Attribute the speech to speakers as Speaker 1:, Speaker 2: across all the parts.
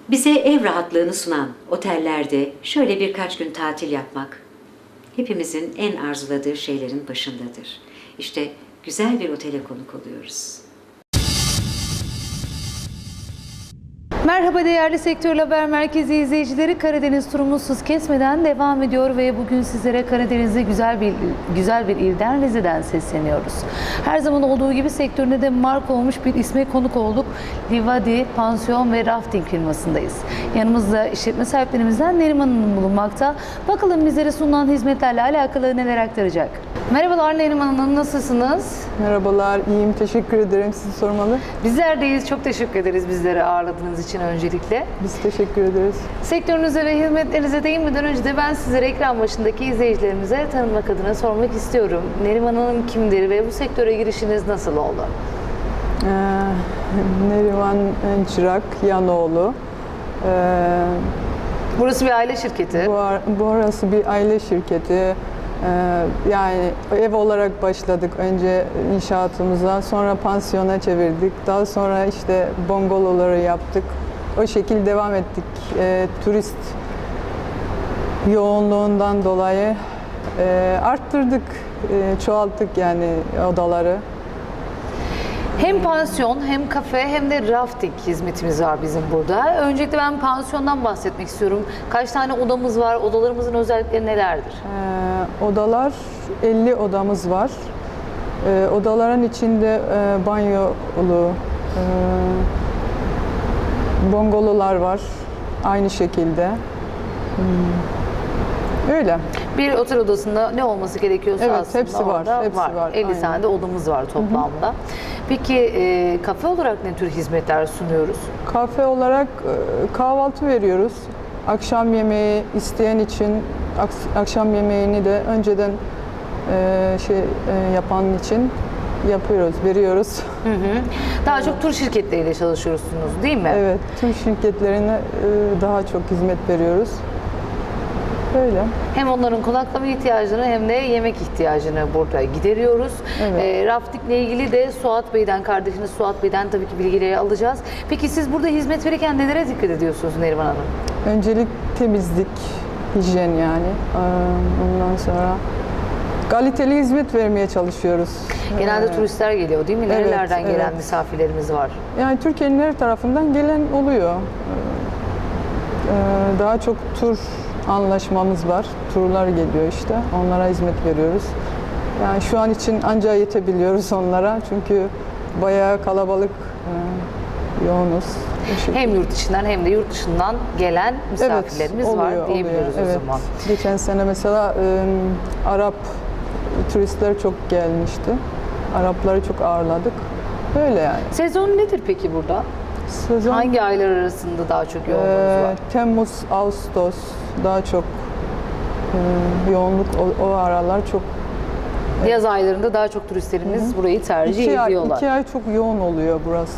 Speaker 1: Bize ev rahatlığını sunan otellerde şöyle birkaç gün tatil yapmak hepimizin en arzuladığı şeylerin başındadır. İşte güzel bir otele konuk oluyoruz.
Speaker 2: Merhaba değerli Sektör Haber Merkezi izleyicileri. Karadeniz turumuz hız kesmeden devam ediyor ve bugün sizlere Karadeniz'de güzel bir ilden, Rize'den sesleniyoruz. Her zaman olduğu gibi sektöründe de marka olmuş bir isme konuk olduk. Livadi Pansiyon ve Rafting firmasındayız. Yanımızda işletme sahiplerimizden Neriman Hanım bulunmakta. Bakalım bizlere sunulan hizmetlerle alakalı neler aktaracak. Merhabalar Neriman Hanım, nasılsınız?
Speaker 3: Merhabalar, iyiyim. Teşekkür ederim. Sizi sormalı.
Speaker 2: Bizler deyiz. Çok teşekkür ederiz bizleri ağırladığınız için öncelikle.
Speaker 3: Biz teşekkür ederiz.
Speaker 2: Sektörünüze ve hizmetlerinize değinmeden önce de ben sizlere ekran başındaki izleyicilerimize tanımak adına sormak istiyorum. Neriman Hanım kimdir ve bu sektöre girişiniz nasıl oldu?
Speaker 3: Neriman Çırak, Yanoğlu.
Speaker 2: Burası bir aile şirketi.
Speaker 3: Burası bir aile şirketi. Yani ev olarak başladık önce inşaatımıza, sonra pansiyona çevirdik. Daha sonra işte bungaloları yaptık. O şekilde devam ettik. Turist yoğunluğundan dolayı arttırdık, çoğalttık yani odaları.
Speaker 2: Hem pansiyon, hem kafe, hem de rafting hizmetimiz var bizim burada. Öncelikle ben pansiyondan bahsetmek istiyorum. Kaç tane odamız var? Odalarımızın özellikleri nelerdir?
Speaker 3: Odalar 50 odamız var. Odaların içinde banyolu, bungalolar var aynı şekilde. Öyle.
Speaker 2: Bir otel odasında ne olması gerekiyorsa
Speaker 3: Evet,
Speaker 2: aslında
Speaker 3: hepsi var,
Speaker 2: orada
Speaker 3: hepsi var.
Speaker 2: 50
Speaker 3: Aynen.
Speaker 2: tane de odamız var toplamda. Peki kafe olarak ne tür hizmetler sunuyoruz?
Speaker 3: Kafe olarak kahvaltı veriyoruz. Akşam yemeği isteyen için akşam yemeğini de önceden yapan için yapıyoruz, veriyoruz.
Speaker 2: Hı hı. Daha çok tur şirketleriyle çalışıyorsunuz değil mi?
Speaker 3: Evet, tüm şirketlerine daha çok hizmet veriyoruz. Böyle.
Speaker 2: Hem onların konaklama ihtiyacını hem de yemek ihtiyacını burada gideriyoruz.
Speaker 3: Evet.
Speaker 2: Raftingle ilgili de Suat Bey'den, kardeşiniz Suat Bey'den tabii ki bilgileri alacağız. Peki siz burada hizmet verirken nelere dikkat ediyorsunuz Neriman Hanım?
Speaker 3: Öncelik temizlik, hijyen yani. Ondan sonra kaliteli hizmet vermeye çalışıyoruz.
Speaker 2: Genelde turistler geliyor değil mi?
Speaker 3: Evet,
Speaker 2: Nerelerden gelen
Speaker 3: evet.
Speaker 2: misafirlerimiz var?
Speaker 3: Yani Türkiye'nin her tarafından gelen oluyor. Daha çok tur anlaşmamız var. Turlar geliyor işte. Onlara hizmet veriyoruz. Yani şu an için ancak yetebiliyoruz onlara. Çünkü bayağı kalabalık, yoğunuz.
Speaker 2: Hem yurt içinden hem de yurt dışından gelen misafirlerimiz var diyebiliyoruz
Speaker 3: oluyor.
Speaker 2: o zaman.
Speaker 3: Geçen sene mesela Arap turistler çok gelmişti. Arapları çok ağırladık. Böyle yani.
Speaker 2: Sezon nedir peki burada?
Speaker 3: Sezon
Speaker 2: Hangi aylar arasında daha çok yoğunluğunuz var?
Speaker 3: Temmuz, Ağustos daha çok yoğunluk o aralar çok.
Speaker 2: Yaz aylarında daha çok turistlerimiz burayı tercih ediyorlar.
Speaker 3: 2 ay çok yoğun oluyor burası.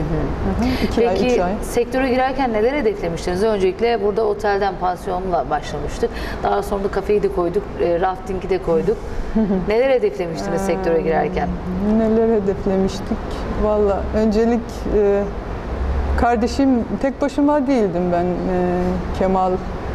Speaker 3: 2 ay, 3
Speaker 2: Peki
Speaker 3: ay.
Speaker 2: sektöre girerken neler hedeflemiştiniz? Öncelikle burada otelden pansiyonla başlamıştık. Daha sonra da kafeyi de koyduk, raftingi de koyduk. Neler hedeflemiştiniz sektöre girerken?
Speaker 3: Neler hedeflemiştik? Valla öncelik kardeşim, tek başıma değildim ben. Kemal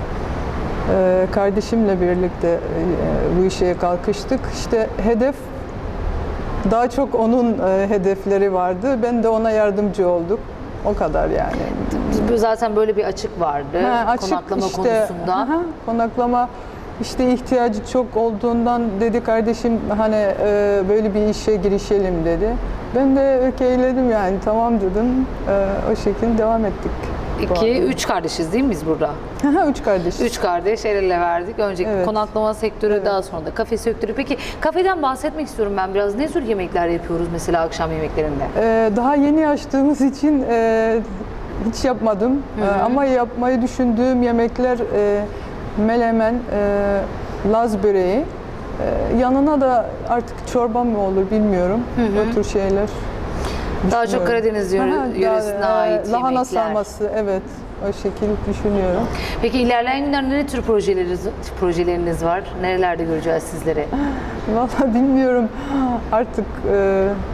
Speaker 3: kardeşimle birlikte bu işe kalkıştık. İşte hedef daha çok onun hedefleri vardı. Ben de ona yardımcı olduk. O kadar yani.
Speaker 2: Zaten böyle bir açık vardı konaklama konusunda.
Speaker 3: Konaklama işte ihtiyacı çok olduğundan dedi kardeşim hani böyle bir işe girişelim dedi. Ben de okeyledim yani tamam dedim. O şekilde devam ettik.
Speaker 2: 3 kardeşiz değil mi biz burada?
Speaker 3: 3 kardeş.
Speaker 2: 3 kardeş el ele verdik. Önceki
Speaker 3: Evet.
Speaker 2: konaklama sektörü,
Speaker 3: Evet.
Speaker 2: daha sonra da kafe sektörü. Peki kafeden bahsetmek istiyorum ben biraz. Ne tür yemekler yapıyoruz mesela akşam yemeklerinde?
Speaker 3: Daha yeni açtığımız için hiç yapmadım. Ama yapmayı düşündüğüm yemekler melemen, Laz böreği. Yanına da artık çorba mı olur bilmiyorum. O tür şeyler.
Speaker 2: Daha çok Karadeniz yöresine ait
Speaker 3: lahana
Speaker 2: yemekler.
Speaker 3: sarması, evet. O şekilde düşünüyorum.
Speaker 2: Peki ilerleyen günlerde ne tür projeleriniz var? Nerelerde göreceğiz sizleri?
Speaker 3: Vallahi bilmiyorum. Artık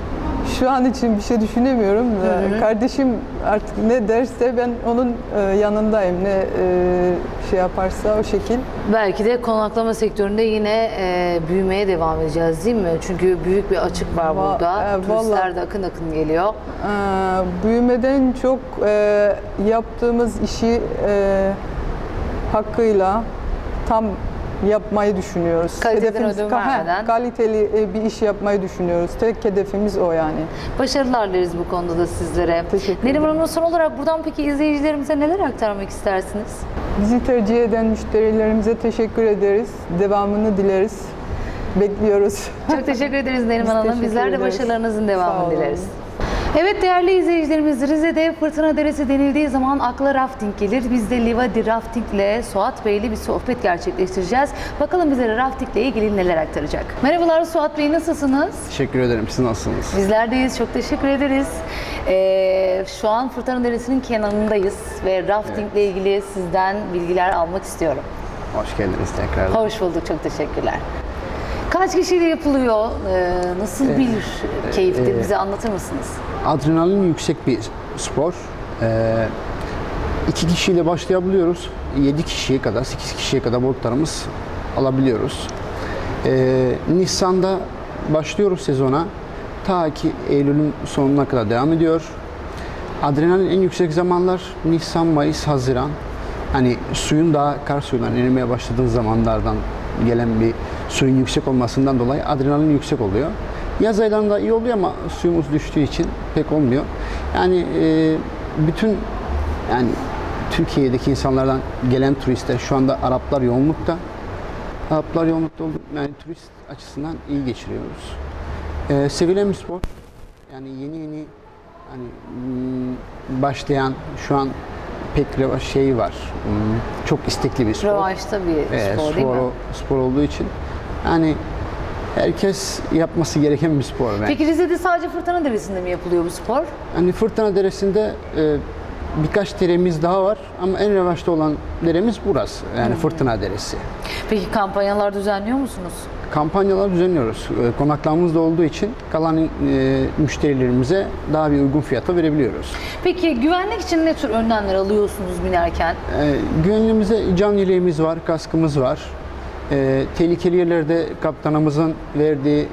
Speaker 3: Şu an için bir şey düşünemiyorum. Kardeşim artık ne derse ben onun yanındayım. Ne şey yaparsa o şekil.
Speaker 2: Belki de konaklama sektöründe yine büyümeye devam edeceğiz değil mi? Çünkü büyük bir açık var burada. Turistler de akın akın geliyor.
Speaker 3: Büyümeden çok yaptığımız işi hakkıyla tam yapmayı düşünüyoruz.
Speaker 2: Kaliteden ödün vermeden.
Speaker 3: Kaliteli bir iş yapmayı düşünüyoruz. Tek hedefimiz o yani.
Speaker 2: Başarılar dileriz bu konuda da sizlere.
Speaker 3: Teşekkür
Speaker 2: Neriman
Speaker 3: ederim.
Speaker 2: Hanım, son olarak buradan peki izleyicilerimize neler aktarmak istersiniz?
Speaker 3: Bizi tercih eden müşterilerimize teşekkür ederiz. Devamını dileriz. Bekliyoruz.
Speaker 2: Çok teşekkür ederiz Neriman Hanım.
Speaker 3: teşekkür
Speaker 2: Bizler de
Speaker 3: ederiz.
Speaker 2: başarılarınızın
Speaker 3: Sağ
Speaker 2: devamını
Speaker 3: olun.
Speaker 2: dileriz. Evet değerli izleyicilerimiz, Rize'de Fırtına Deresi denildiği zaman akla rafting gelir. Biz de Livadi Rafting ile Suat Bey ile bir sohbet gerçekleştireceğiz. Bakalım bize rafting ile ilgili neler aktaracak. Merhabalar Suat Bey, nasılsınız?
Speaker 4: Teşekkür ederim. Siz nasılsınız?
Speaker 2: Bizler deyiz. Çok teşekkür ederiz. Şu an Fırtına Deresi'nin kenarındayız ve rafting ile ilgili sizden bilgiler almak istiyorum.
Speaker 4: Hoş geldiniz tekrar.
Speaker 2: Hoş bulduk. Çok teşekkürler. Kaç kişiyle yapılıyor? Nasıl bir keyiftir? Bize anlatır mısınız?
Speaker 4: Adrenalin yüksek bir spor. 2 kişiyle başlayabiliyoruz. 7 kişiye kadar, 8 kişiye kadar boyutlarımız alabiliyoruz. Nisan'da başlıyoruz sezona. Ta ki Eylül'ün sonuna kadar devam ediyor. Adrenalin en yüksek zamanlar Nisan, Mayıs, Haziran. Hani suyun daha kar suyundan erimeye başladığı zamanlardan gelen bir suyun yüksek olmasından dolayı adrenalin yüksek oluyor. Yaz aylarında iyi oluyor ama suyumuz düştüğü için pek olmuyor. Yani bütün yani Türkiye'deki insanlardan gelen turistler şu anda Araplar yoğunlukta. Araplar yoğunlukta olduğu yani turist açısından iyi geçiriyoruz. Sevilen bir spor. Yani yeni hani başlayan şu an pek şey var. Çok istekli bir spor.
Speaker 2: Revaçta bir spor değil mi?
Speaker 4: Spor olduğu için yani herkes yapması gereken bir spor.
Speaker 2: Peki Rize'de sadece Fırtına Deresi'nde mi yapılıyor bu spor?
Speaker 4: Hani Fırtına Deresi'nde birkaç deremiz daha var ama en revaçta olan deremiz burası. Yani Fırtına Deresi.
Speaker 2: Peki kampanyalar düzenliyor musunuz?
Speaker 4: Kampanyalar düzenliyoruz. Konaklamamız da olduğu için kalan müşterilerimize daha bir uygun fiyata verebiliyoruz.
Speaker 2: Peki güvenlik için ne tür önlemler alıyorsunuz binerken?
Speaker 4: Güvenliğimize can yeleğimiz var, kaskımız var. Tehlikeli yerlerde kaptanımızın verdiği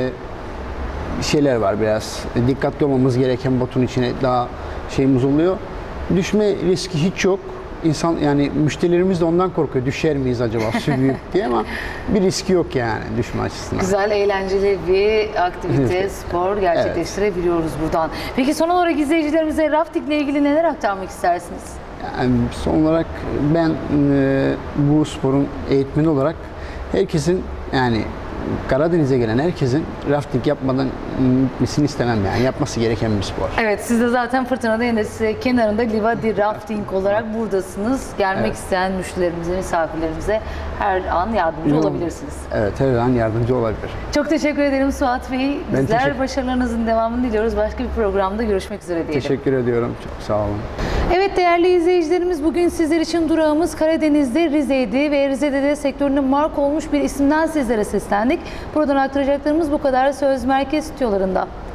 Speaker 4: şeyler var biraz. Dikkatli olmamız gereken botun içine daha şeyimiz oluyor. Düşme riski hiç yok. İnsan yani müşterilerimiz de ondan korkuyor. Düşer miyiz acaba su büyük diye ama bir riski yok yani düşme açısından.
Speaker 2: Güzel, eğlenceli bir aktivite, spor gerçekleştirebiliyoruz buradan. Peki son olarak izleyicilerimize rafting ile ilgili neler aktarmak istersiniz?
Speaker 4: Yani son olarak ben bu sporun eğitmeni olarak herkesin yani Karadeniz'e gelen herkesin rafting yapmadan gitmesini istemem yani. Yapması gereken bir spor.
Speaker 2: Evet, siz de zaten Fırtına Deresi kenarında Livadi Rafting olarak buradasınız. Gelmek isteyen müşterilerimize, misafirlerimize her an yardımcı olabilirsiniz.
Speaker 4: Evet, her an yardımcı olabilir.
Speaker 2: Çok teşekkür ederim Suat Bey.
Speaker 4: Ben
Speaker 2: Bizler başarılarınızın devamını diliyoruz. Başka bir programda görüşmek üzere diyelim.
Speaker 4: Teşekkür ediyorum. Çok sağ olun.
Speaker 2: Evet değerli izleyicilerimiz, bugün sizler için durağımız Karadeniz'de Rize'ydi ve Rize'de de sektörüne marka olmuş bir isimden sizlere seslendik. Buradan aktaracaklarımız bu kadar. Söz merkez stüdyolarında.